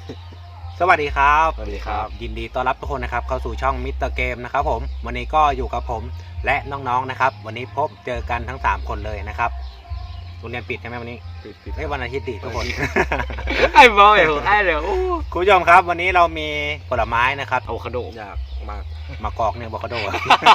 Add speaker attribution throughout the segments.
Speaker 1: สวัสดีครับ
Speaker 2: สวัสดีครับ
Speaker 1: ยินดีต้อนรับทุกคนนะครับเข้าสู่ช่องมิสเตอร์เกมนะครับผมวันนี้ก็อยู่กับผมและน้องๆนะครับวันนี้พบเจอกันทั้ง3คนเลยนะครับโรงเรียนปิดใช่ไหมวันนี้
Speaker 2: ปิด
Speaker 1: ไม่วันอาทิตย์ดิทุกคน
Speaker 2: ไอ้บอยไอ้เดี๋ยว
Speaker 1: คุณผู้ชมครับวันนี้เรามีผลไม้นะครับ
Speaker 2: อะโวคาโด
Speaker 3: อยากมาก
Speaker 1: มากอกเนี่ยอะโวคาโด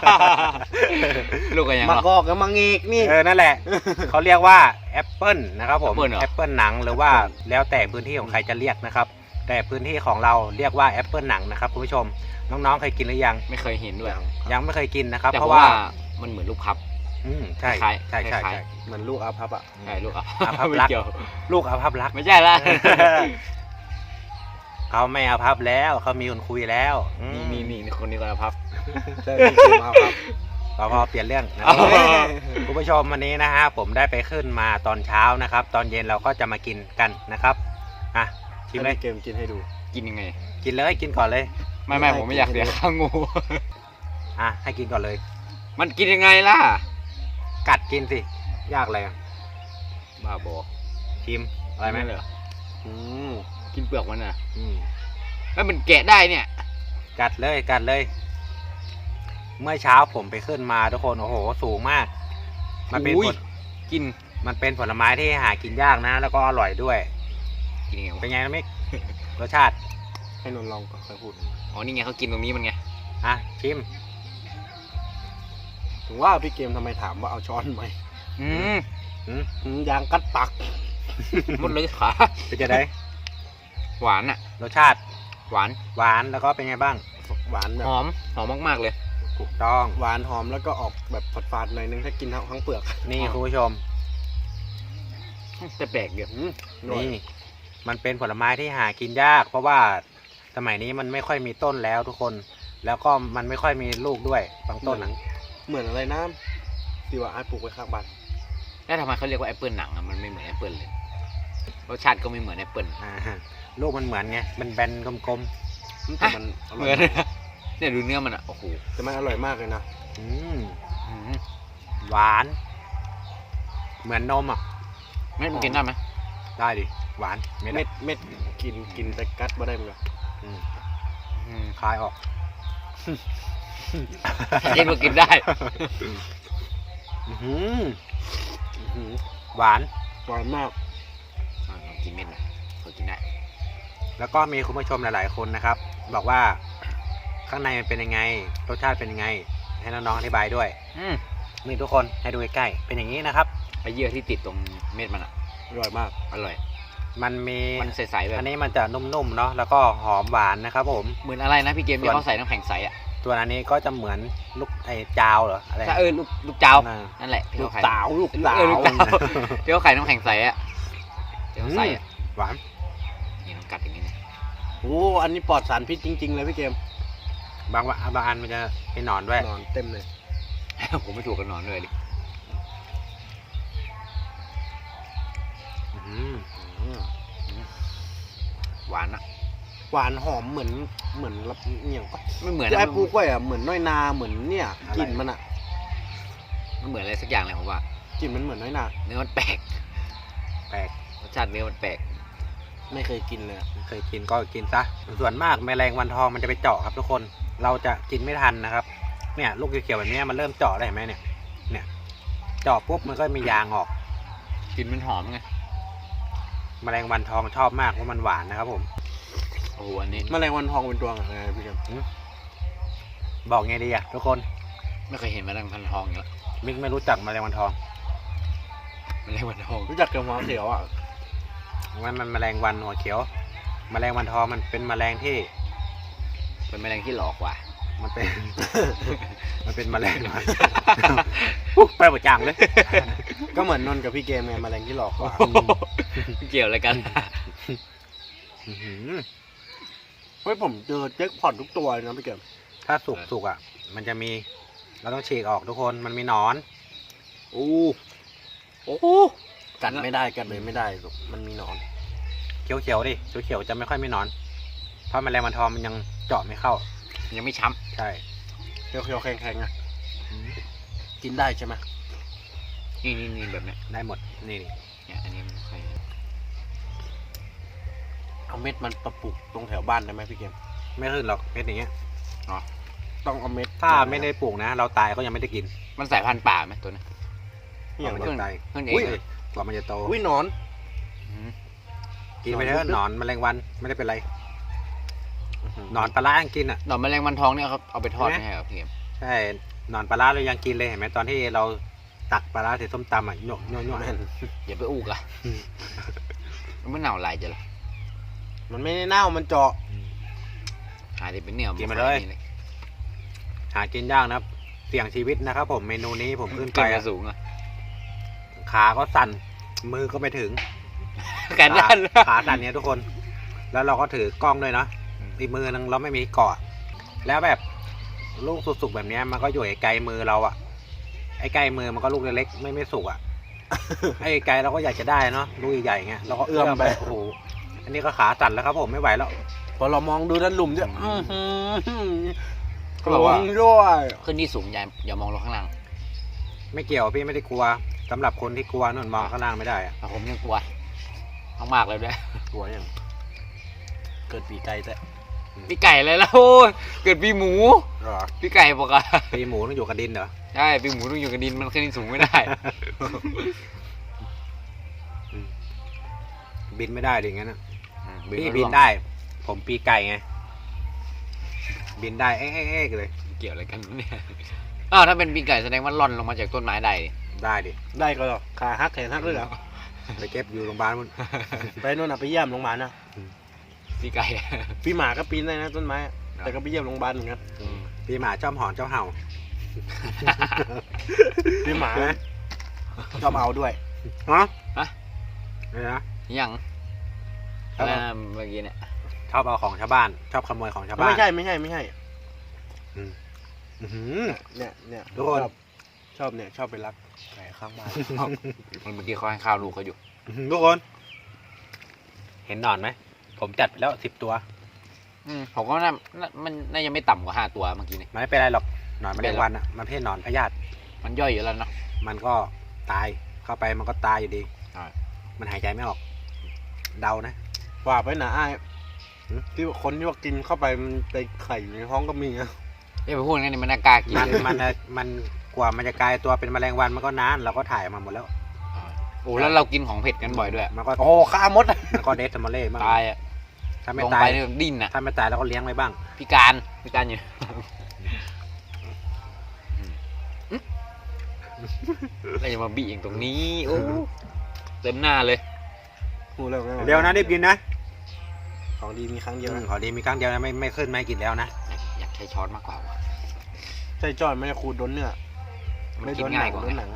Speaker 2: ลูกกันยัง
Speaker 3: มาก
Speaker 2: หรอ
Speaker 3: อกกับมังเอกนี่
Speaker 1: นั่นแหละเขาเรียกว่าแอปเปิลนะครับผม
Speaker 2: แอปเปิ้ลเหรอ
Speaker 1: แอปเปิลหนังหรือว่าแล้วแต่พื้นที่ของใครจะเรียกนะครับแต่พื้นที่ของเราเรียกว่าแอปเปิลหนังนะครับคุณผู้ชมน้องๆเคยกินหรือยัง
Speaker 2: ไม่เคยเห็นด้วย
Speaker 1: ยังไม่เคยกินนะครับ
Speaker 2: แต่
Speaker 1: เพ
Speaker 2: เพ
Speaker 1: ราะ
Speaker 2: ราะ
Speaker 1: ว่า
Speaker 2: ว่ามันเหมือนลูกพับ
Speaker 1: ใช่
Speaker 2: คล้าย
Speaker 1: ใช่ใช่
Speaker 2: คล้าย
Speaker 1: ใช่
Speaker 3: เหมือนลูกอาพับอ่ะ
Speaker 2: ใช่ลูกอ่ะ
Speaker 1: อาภัพ
Speaker 2: ไม่
Speaker 1: รัก
Speaker 2: เกี่ยว
Speaker 1: ลูกอาภัพรัก
Speaker 2: ไม่ใช่ละ
Speaker 1: เขาไม่อาภัพแล้วเขามีคนคุยแล้ว
Speaker 2: นี่คนนี้ก็พับ
Speaker 3: ใช่พี่เกมอาพับ
Speaker 1: พอเปลี่ยนเรื่องนะ
Speaker 2: อ๋อ
Speaker 1: คุณผู้ชมวันนี้นะฮะผมได้ไปขึ้นมาตอนเช้านะครับ ตอนเย็นเราก็จะมากินกันนะครับอ่ะชิมเลย
Speaker 3: ให้เกมกินให้ดู
Speaker 2: กินยังไง
Speaker 1: กินเลยกินก่อนเลย
Speaker 2: ไม่ผมไม่อยากเสียค่างู
Speaker 1: อ่ะให้กินก่อนเลย
Speaker 2: มันกินยังไงล่ะ
Speaker 1: กัดกินสิยากอะไรอ่ะ
Speaker 2: บ้าบอ
Speaker 1: ชิมอะไรไหม
Speaker 2: เหรอ
Speaker 3: อืม
Speaker 2: กินเปลือกมันอ่ะ
Speaker 1: อืม
Speaker 2: แล้วมันแกะได้เนี่ย
Speaker 1: กัดเลยกัดเลย เมื่อเช้าผมไปขึ้นมาทุกคนโอ้โหสูงมาก มันเป็น
Speaker 2: อุ้ย
Speaker 1: ผล
Speaker 2: กิน
Speaker 1: มันเป็นผลไม้ที่หากินยากนะ แล้วก็อร่อยด้วย
Speaker 2: กินยังไง
Speaker 1: เป็น
Speaker 2: วะ
Speaker 1: ไงนะมิก รสชาติ
Speaker 3: ให้นนท์ลองก่อนค่อยพูด
Speaker 2: อ๋อนี่ไงเขากินตรงนี้มันไง
Speaker 1: อ่ะชิม
Speaker 3: ถึงว่าพี่เกมทำไมถามว่าเอาช้อนไหม
Speaker 2: อืม
Speaker 3: ยางกัดปัก
Speaker 2: หมดเลยขา
Speaker 1: เป็นจะได้
Speaker 2: หวานอ่ะ
Speaker 1: รสชาติ
Speaker 2: หวาน
Speaker 1: หวานแล้วก็เป็นไงบ้าง
Speaker 3: หวานแบบ
Speaker 2: หอมมากๆเลย
Speaker 1: ถูกต้อง
Speaker 3: หวานหอมแล้วก็ออกแบบฝาดๆหน่อยนึงถ้ากินทั้งเปลือก
Speaker 1: นี่
Speaker 2: อ๋อ
Speaker 1: คุณผู้ชม
Speaker 2: แต่แปลกเดียว
Speaker 1: นี่ มันเป็นผลไม้ที่หากินยาก เพราะว่าสมัยนี้มันไม่ค่อยมีต้นแล้วทุกคน แล้วก็มันไม่ค่อยมีลูกด้วยบางต้นอ่ะ
Speaker 3: เหมือนอะไรนะที่ว่าอาร์ตปลูกไว้ข้างบ้าน
Speaker 2: แล้วทำไมเขาเรียกว่าแอปเปิลหนังอ่ะมันไม่เหมือนแอปเปิลเลยรสชาติก็ไม่เหมือนแอปเปิล
Speaker 1: อ่าลูกมันเหมือนไงมันแบนกลม
Speaker 3: แต่มันอ
Speaker 2: เห
Speaker 3: ร่
Speaker 2: มื
Speaker 3: อ
Speaker 2: อย นเนี่ยดูเนื้อมันอ่ะโอ้โห
Speaker 3: แต่มันอร่อยมากเลยนะ
Speaker 1: ๆ
Speaker 2: อืม
Speaker 1: หวาน เหมือนนมอ่ะ
Speaker 2: ไม่มันกินได้ไหม
Speaker 1: ได้ดิหวานไม่ได้
Speaker 3: เม็ดกินแต่กัดบ่ได้เหมือนกัน
Speaker 1: อืม
Speaker 2: อืม
Speaker 1: คลายออก
Speaker 2: กินก็กินได้
Speaker 1: อื้อหือ
Speaker 3: อื้อหือ
Speaker 1: หวาน
Speaker 3: หวานมาก
Speaker 2: ลองกินเม็ดนะก็กินได้
Speaker 1: แล้วก็มีคุณผู้ชมหลาย ๆ คนนะครับ บอกว่าข้างในมันเป็นยังไง รสชาติเป็นยังไง ให้น้องๆอธิบายด้วย
Speaker 2: อืม
Speaker 1: นี่ทุกคนให้ดูใกล้ๆเป็นอย่างนี้นะครับ
Speaker 2: ไอ้เยื่อที่ติดตรงเม็ดมันอ่ะ
Speaker 3: อร่อยมาก
Speaker 2: อร่อย
Speaker 1: มันมี
Speaker 2: มันใสๆแบบ
Speaker 1: อันนี้มันจะนุ่มๆเนาะแล้วก็หอมหวานนะครับผม
Speaker 2: เหมือนอะไรนะพี่เกม
Speaker 1: ส่
Speaker 2: ที่
Speaker 1: วน
Speaker 2: เขาใส่น้ำแข็งใสอ่ะ
Speaker 1: ตัวอันนี้ก็จะเหมือนลูกไอ้จาวเหรออะไร
Speaker 2: ใช่ลูกเจ้า
Speaker 1: น่ะ
Speaker 2: นั่นแหละที่
Speaker 3: ลู
Speaker 2: เขา
Speaker 3: ก
Speaker 2: ขาย
Speaker 3: สาวลูกสาว
Speaker 2: ลูกเจ้าที่เขาขายน้ำแข็งใสอ่ะที่เขาใส่อ่ะ
Speaker 1: หวาน
Speaker 2: นี่ต้องกัดอย่างนี้นะ
Speaker 3: โอ้อันนี้ปลอดสารพิษจริง ๆ เลยพี่เกม
Speaker 1: บางอันมันจะเป็นหนอนด้วย
Speaker 3: นอนเต็มเลย
Speaker 2: ผมไม่ถูกกันนอนด้วยดิ
Speaker 1: อื้อหือ
Speaker 2: หวานอ่ะ
Speaker 3: หวานหอมเหมือนอย่างปะ
Speaker 2: ไม่เหมือน
Speaker 3: ไอ้ปลูกไว้อะเหมือนน้อยนาเหมือนเนี่ยกลิ่นมันอะ
Speaker 2: มันเหมือนอะไรสักอย่างเลยผมว่าก
Speaker 3: ลิ่นมันเหมือนน้อยนา
Speaker 2: เนื้อมันแปลก
Speaker 1: แปลก
Speaker 2: รสชาติเนื้อมันแปลก
Speaker 3: ไม่เคยกินเลยอะ
Speaker 1: เคยกินก็กินซะส่วนมากแมลงวันทองมันจะไปเจาะครับทุกคนเราจะกินไม่ทันนะครับ เนี่ยลูกเขียวๆแบบนี้มันเริ่มเจาะได้วเห็นไหมเนี่ยเจาะปุ๊บมันก็มียางออก
Speaker 2: กลิ่นมันหอมไง
Speaker 1: แมลงวันทองชอบมากเพราะมันหวานนะครับผม
Speaker 2: โอ้โหอันนี้
Speaker 3: แมลงวันทองเป็นตัวอะไรพี่เกม
Speaker 1: บอกไงดีอะทุกคน
Speaker 2: ไม่เคยเห็นแมลงวันทองอย่างนี้ละ
Speaker 1: มิกไม่รู้จักแมลงวันทอง
Speaker 2: แมลงวันทอง
Speaker 3: รู้จักกับหัวเขียวอะ
Speaker 1: มันแมลงวันหัวเขียว แมลงวันทองมันเป็นแมลงที่
Speaker 2: เป็นแมลงที่หลอกกว่า
Speaker 1: มันเป็น มันเป็นแมลงวัน อุ๊ยไปหมดจางเลย
Speaker 3: ก็เหมือนนนท์กับพี่เกมไงแมลงที่หลอกกว่า
Speaker 2: เกี่ยวอะไรกัน
Speaker 1: อื้อหือ
Speaker 3: เฮ้ยผมเจอแจ็คพอตทุกตัวเลยนะพี่เกม
Speaker 1: ถ้าสุกอ่ะ มันจะมีเราต้องฉีกออกทุกคนมันมีหนอน
Speaker 3: โอ้กัดไม่ได้กัดเลยไม่ได้หรอกมันมีหนอน
Speaker 1: เขียวๆดิเขียวๆจะไม่ค่อยมีหนอนเพราะแมลงวันทองมันยังเจาะไม่เข้า
Speaker 2: ยังไม่ช้
Speaker 1: ใช่
Speaker 3: เขียวๆแข็งๆอะกินได้ใช่ไหม
Speaker 2: ำนี่แบบเนี้ย
Speaker 1: ได้หมดนี่
Speaker 2: เนี่ยอันนี้มันค่อย
Speaker 3: เอาเม็ดมันประปลูกตรงแถวบ้านได้ไหมพี่เกม
Speaker 1: ไม่ขึ้นหรอกเม็ดอย่างเงี้ย
Speaker 3: ต้องเอาเม็ด
Speaker 1: ถ้าไม่ได้ปลูกนะ เราตายก็ยังไม่ได้กิน
Speaker 2: มันสายพันธุ์ป่าไหมตัวนี้
Speaker 3: นี่อย่าง
Speaker 1: มัน
Speaker 3: เงี้ย
Speaker 1: จะตาย
Speaker 2: ขึ้นเอ
Speaker 3: อุ้
Speaker 2: ง
Speaker 3: ย
Speaker 2: เลย
Speaker 1: กว่ามันจะโต
Speaker 3: อุ้ยหนอน
Speaker 2: อืม
Speaker 1: กินไปเถอะหนอนแมลงวันไม่ได้เป็นไรหนอนปลาร้ายังกินอ่ะ
Speaker 2: หนอนแมลงวันทองเนี่ยเขาเอาไปทอด
Speaker 1: ใช่ไหม
Speaker 2: ไม่ใช่เหรอพี่เกม
Speaker 1: ใช่หนอนปลาร้าเรายังกินเลยเห็นไหมตอนที่เราตักปลาร้าใส่ส้มตำอ่ะโยกโยกโยก
Speaker 2: อย่าไปอูกอะมันไม่เน่าลายจะหรอ
Speaker 3: มันไม่ได้เน่ามันเจาะ
Speaker 2: หาที่เป็นเนี่ย
Speaker 1: กินมาเลย หากินยากนะครับเสี่ยงชีวิตนะครับผมเมนูนี้ผมขึ้นไป
Speaker 2: ขึ้น
Speaker 1: อะ
Speaker 2: มาสูงอะ
Speaker 1: ขาก็สั่นมือก็ไม่ถึง
Speaker 2: กันด้าน
Speaker 1: ขาสั่นเนี่ยทุกคน แล้วเราก็ถือกล้องด้วยเนาะอีกมือนึงเราไม่มีเกาะ แล้วแบบลูกสุกๆแบบเนี้ยมันก็อยู่ไกลมือเราอะไอ้ไกลมือมันก็ลูกเล็กๆไม่สุกอะ ไอ้ไกลเราก็อยากจะได้เนาะลูกใหญ่ๆเงี้ยเราก็เอื้อมไปโอ้โหอันนี้ก็ขาสั่นแล้วครับผมไม่ไหวแล้ว
Speaker 3: พอเรามองดูด้านหลุมเนี่ย
Speaker 2: เขาบอกว่า
Speaker 3: ด้วย
Speaker 2: ขึ้นที่สูงอย่ามองลงข้างล่าง
Speaker 1: ไม่เกี่ยวพี่ไม่ได้กลัวสำหรับคนที่กลัวนู่นมองข้างล่างไม่ได้อะ
Speaker 2: แต่ผมยังกลัวมากๆเลยด้วย
Speaker 3: กลัวยังเกิดปีไก่แต่
Speaker 2: พี่ไก่เลยแล้วโอ้ยเกิดปีหมู
Speaker 3: หรอ
Speaker 2: พี่ไก่บอกอะ
Speaker 1: ปีหมูต้องอยู่กับดินเหรอ
Speaker 2: ใช่ปีหมูต้องอยู่กับดินมันขึ้นที่สูงไม่ได้
Speaker 1: บินไม่ได้ดิงั้นอะ
Speaker 2: มั
Speaker 1: พี่
Speaker 2: ร่วง
Speaker 1: บินได้ ผมปีไก่ไงบินได้เอ๊ะเลย
Speaker 2: เกี่ยวอะไรกันเนี่ยอ้าวถ้าเป็นปีไก่แสดงว่าล่อนลงมาจากต้นไม้ได้ดิ
Speaker 1: ได้ดิ
Speaker 3: ได้ก็หรอขาหักแขนหักเลยเหรอ
Speaker 1: ไปเก็บอยู่โรงพยาบาลมัน
Speaker 3: ไปนู่นน่ะไปเยี่ยมโรงพยาบาลนะ
Speaker 2: ปีไก่
Speaker 3: พี่หมาก็ปีนได้นะต้นไม้อะแต่ก็ไปเยี่ยมโรงพยาบาลเหมือนกัน
Speaker 1: ปีหมาชอบหอนชอบเห่า
Speaker 3: พี่หมาชอบเอาด้วย
Speaker 1: ฮะ
Speaker 2: ฮะ
Speaker 1: อะไรนะ
Speaker 2: ยัง
Speaker 1: ครับ
Speaker 2: อะไรนะเมื่อกี้เนี่ย
Speaker 1: ชอบเอาของชาวบ้าน ชอบขโมยของชาวบ้าน
Speaker 3: ไม่ใช่
Speaker 1: อื้อหือ
Speaker 3: เนี่ย
Speaker 1: ทุกคน
Speaker 3: ชอบเนี่ยชอบไปรักแผลข้างบ้าน
Speaker 2: มันเมื่อกี้เขาให้ข้าวลูกเขาอยู่
Speaker 1: ทุกคน เห็นหนอนไหมผมจัดไปแล้ว10 ตัว
Speaker 2: ผมก็มันน่าจะไม่ต่ำกว่า5 ตัวเมื่อกี้นี่
Speaker 1: มันไม่เป็นไรหรอกหนอนแม
Speaker 2: ไม่
Speaker 1: ล
Speaker 2: เป็น
Speaker 1: ง
Speaker 2: ไร
Speaker 1: วันอ่ะมันไม่ใช่หนอนพยาธิ
Speaker 2: มันย่อยอยู่แล้วเนาะ
Speaker 1: มันก็ตายเข้าไปมันก็ตายอยู่ดี
Speaker 2: ใช่
Speaker 1: มันหายใจไม่ออก เดานะ
Speaker 3: ว่าไปหนาอ้าย
Speaker 1: หืม
Speaker 3: ที่ว่าคนที่ว่ากินเข้าไปมันไปไข่อยู่ในท้องก็มีนะ
Speaker 2: เอ้ยไปพูดงั้นนี่มันน่ากล้ากิน
Speaker 1: มัน
Speaker 2: เลย
Speaker 1: มันกว่ามันจะกลายตัวเป็นแมลงวันมันก็นานเราก็ถ่ายมาหมดแล้ว
Speaker 2: โอ้แล้วเรากินของเผ็ดกันบ่อยด้วย
Speaker 1: มันก็
Speaker 3: โอ้ฆ่ามด
Speaker 1: มันก็เดสมาเล่บ้าง
Speaker 2: ตายอะ
Speaker 1: ถ้าไม่
Speaker 2: ลง
Speaker 1: ตา
Speaker 2: ไป
Speaker 1: ย
Speaker 2: เนี่ยดิ้นอะ
Speaker 1: ถ้าไม่ตายเราก็เลี้ยงไว้บ้าง
Speaker 2: พิการอยู่แล้วอย่ามาบีเองตรงนี้โอ้เต็มหน้าเลย
Speaker 3: หูแล้ว
Speaker 1: เดี๋ยวนะรีบกินนะ
Speaker 3: ของดีมีครั้งเดียวนะ
Speaker 1: ขอดีมีครั้งเดียวนะไม่ขึ้นไม่กินแล้วนะ
Speaker 2: อยากใช้ช้อนมากกว่าว่ะ
Speaker 3: ใช่จอยไม่ได้ขูดโดนเนื้อ
Speaker 2: มันกินง่ายกว่า
Speaker 3: โดนหนัง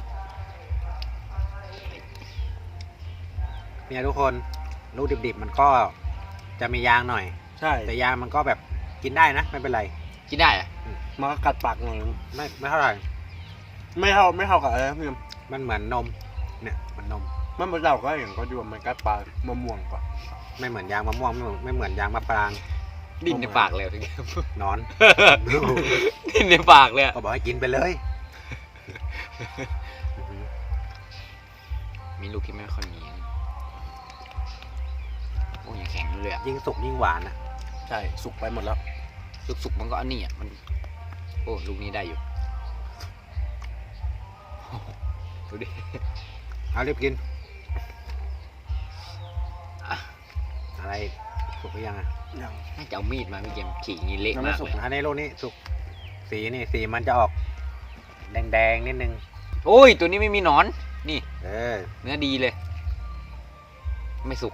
Speaker 1: เนี่ยทุกคนลูกดิบๆมันก็จะมียางหน่อย
Speaker 3: ใช่
Speaker 1: แต่ยางมันก็แบบกินได้นะไม่เป็นไร
Speaker 2: กินได้อะ
Speaker 3: มันก็กัดปากหน่อย
Speaker 1: ไม่เท่าไหร่
Speaker 3: ไม่เท่ากับอะไรนะพี่
Speaker 1: มันเหมือนนมเนี่ยเหมันนม
Speaker 3: มันเป็นเราก็อย่างก็ดูว่ามันกัดปลามะม่วงกว่า
Speaker 1: ไม่เหมือนยางมะม่วงไม่เหมือนยางมะปราง
Speaker 2: ดิ้นในปากเลยพี่แก
Speaker 1: นอน
Speaker 2: ดิ้นในปากเลยอะ
Speaker 1: ก็บอกให้กินไปเลย
Speaker 2: มีลูกที่ไม่ค่อยมีโอ้ยยังแข็งอยู่เลยอะ
Speaker 1: ยิ่งสุกยิ่งหวานอ่ะ
Speaker 3: ใช่สุกไปหมดแล้ว
Speaker 2: สุกๆมันก็อันนี้อ่ะมันโอ้ลูกนี้ได้อยู่ดูดิ
Speaker 1: เอารีบกิน
Speaker 2: อ่ะ
Speaker 1: อะไรสุกหรือยังอ่ะ
Speaker 3: ยัง
Speaker 2: น่าจะเอามีดมาพี่เกมฉีกอย่างนี้เละ
Speaker 3: ยังไม่
Speaker 2: มาก
Speaker 3: สุก
Speaker 2: เลย
Speaker 1: อันนี้ลูกนี้สุกสีนี่สีมันจะออกแดงๆนิดนึง
Speaker 2: โอ้ยตัวนี้ไม่มีหนอนนี่
Speaker 1: เออ
Speaker 2: เนื้อดีเลย ไม่สุก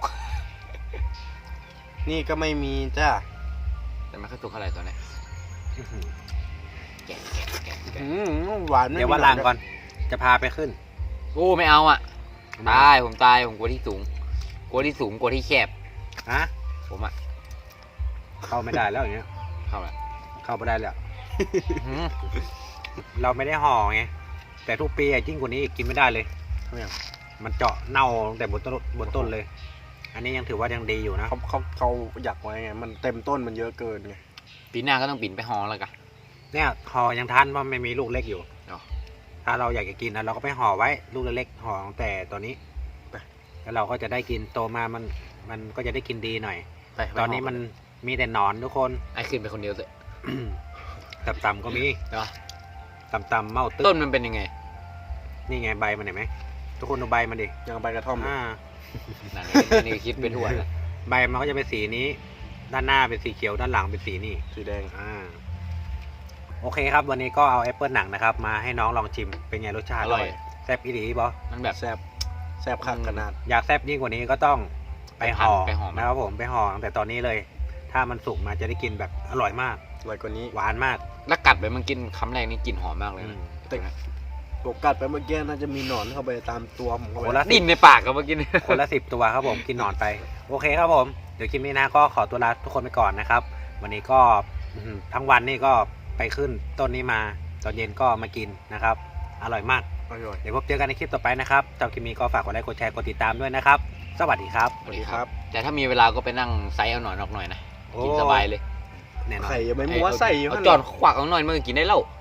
Speaker 3: นี่ก็ไม่มีจ้า
Speaker 2: แต่ไม่ค่อยสุกเท่าไหร่ตัวนี้
Speaker 1: อื้อหือ
Speaker 2: แกะแกะ
Speaker 3: หวานไม่
Speaker 1: เดี๋ยวว่า
Speaker 3: มี
Speaker 1: ล้างก่อนจะพาไปขึ้น
Speaker 2: โอ้ไม่เอาอ่ะตายผมตายผมกลัวที่สูงกลัวที่สูงกลัวที่แคบ
Speaker 1: ฮะ
Speaker 2: ผมอ่ะ
Speaker 1: เข้าไม่ได้แล้วอย่างเงี้ย
Speaker 2: เข้าละ
Speaker 1: เข้าไม่ได้แล้ว
Speaker 2: หืม
Speaker 1: เราไม่ได้ห่อไงแต่ทุกปียิ่งกว่านี้อีกกินไม่ได้เลย มันเจาะเน่าตั้งแต่บนต้นเลย อันนี้ยังถือว่ายังดีอยู่นะ
Speaker 3: เขาอยากไว้ไงมันเต็มต้นมันเยอะเกินไง
Speaker 2: ปีหน้าก็ต้องปิ่นไปฮอแล้วกัน
Speaker 1: เนี่ยห่อยังทันเพราะไม่มีลูกเล็กอยู่
Speaker 2: อ๋อ
Speaker 1: ถ้าเราอยากจะกินนะเราก็ไปห่อไว้ลูกเล็กๆห่อตั้งแต่ตอนนี้แล้วเราก็จะได้กินโตมามันก็จะได้กินดีหน่อย
Speaker 3: ไป
Speaker 1: ตอนนี้มันมีแต่หนอนทุกคน
Speaker 2: ไอ้ขึ้นไปคนเดียวเลย
Speaker 1: ต่ำๆก็มี
Speaker 2: เนาะ
Speaker 1: ต่ำๆเมาตึ๊
Speaker 2: ต้นมันเป็นยังไง
Speaker 1: นี่ไงใบมันเห็นไหมทุกคนดูใบมันดิ
Speaker 3: ยังใบกระท่อม
Speaker 2: นั่นนี่คิดเป็นทั่วเลย
Speaker 1: ใบมันก็จะเป็นสีนี้ ด้านหน้าเป็นสีเขียวด้านหลังเป็นสีนี่
Speaker 3: สีแดง
Speaker 1: โอเคครับวันนี้ก็เอาแอปเปิลหนังนะครับมาให้น้องลองชิมเป็นไงรสชาติ
Speaker 2: อร่อย
Speaker 1: แซ่บอีหลีบอ
Speaker 2: มันแบบ
Speaker 3: แซ่บคักขนาด
Speaker 1: อยากแซ่บยิ่งกว่านี้ก็ต้องไปห่อ
Speaker 2: ไปห่อมัน
Speaker 1: นะครับผมไปห่อตั้งแต่ตอนนี้เลย ถ้ามันสุกมาจะได้กินแบบอร่อยมาก
Speaker 3: อร่อยกว่านี้
Speaker 1: หวานมาก
Speaker 2: แล้วกัดไปมันกินคำแรกนี่กลิ่นหอมมากเลย
Speaker 1: อื
Speaker 2: นะ
Speaker 1: ม
Speaker 3: แต่ผมกัดไปเมื่อกี้น่าจะมีหนอนเข้าไปตามตัวผมเข้า
Speaker 1: โอ้
Speaker 3: ไป
Speaker 1: ละ
Speaker 2: ดิ้นในปากกับเมื่อกี้เนี่ย
Speaker 1: คนละ10 ตัวครับผมกินหนอนไป โอเคครับผมเดี๋ยวคลิปนี้นะก็ขอตัวลาทุกคนไปก่อนนะครับ วันนี้ก็ทั้งวันนี่ก็ไปขึ้นต้นนี้มาตอนเย็นก็มากินนะครับ อร่อยมาก
Speaker 3: อร่อย
Speaker 1: เดี๋ยวพบเจอกันในคลิปต่อไปนะครับชอบคลิปนี้ก็ฝากกดไลค์กดแชร์กดติดตามด้วยนะครับ สวัสดีครับ
Speaker 3: สวัสดีครับ
Speaker 2: แต่ถ้ามีเวลาก็ไปนั่งไซส์เอาหน่อยนอกหน่อยนะ
Speaker 1: โอ้
Speaker 2: กินสบายเลย
Speaker 1: แน่นอน
Speaker 3: ไข่ยังไม่มัวใส่อยู่
Speaker 2: เอา
Speaker 3: หั่น
Speaker 2: จอนขวักเอาหน่อยมันก็กินได้แล้ว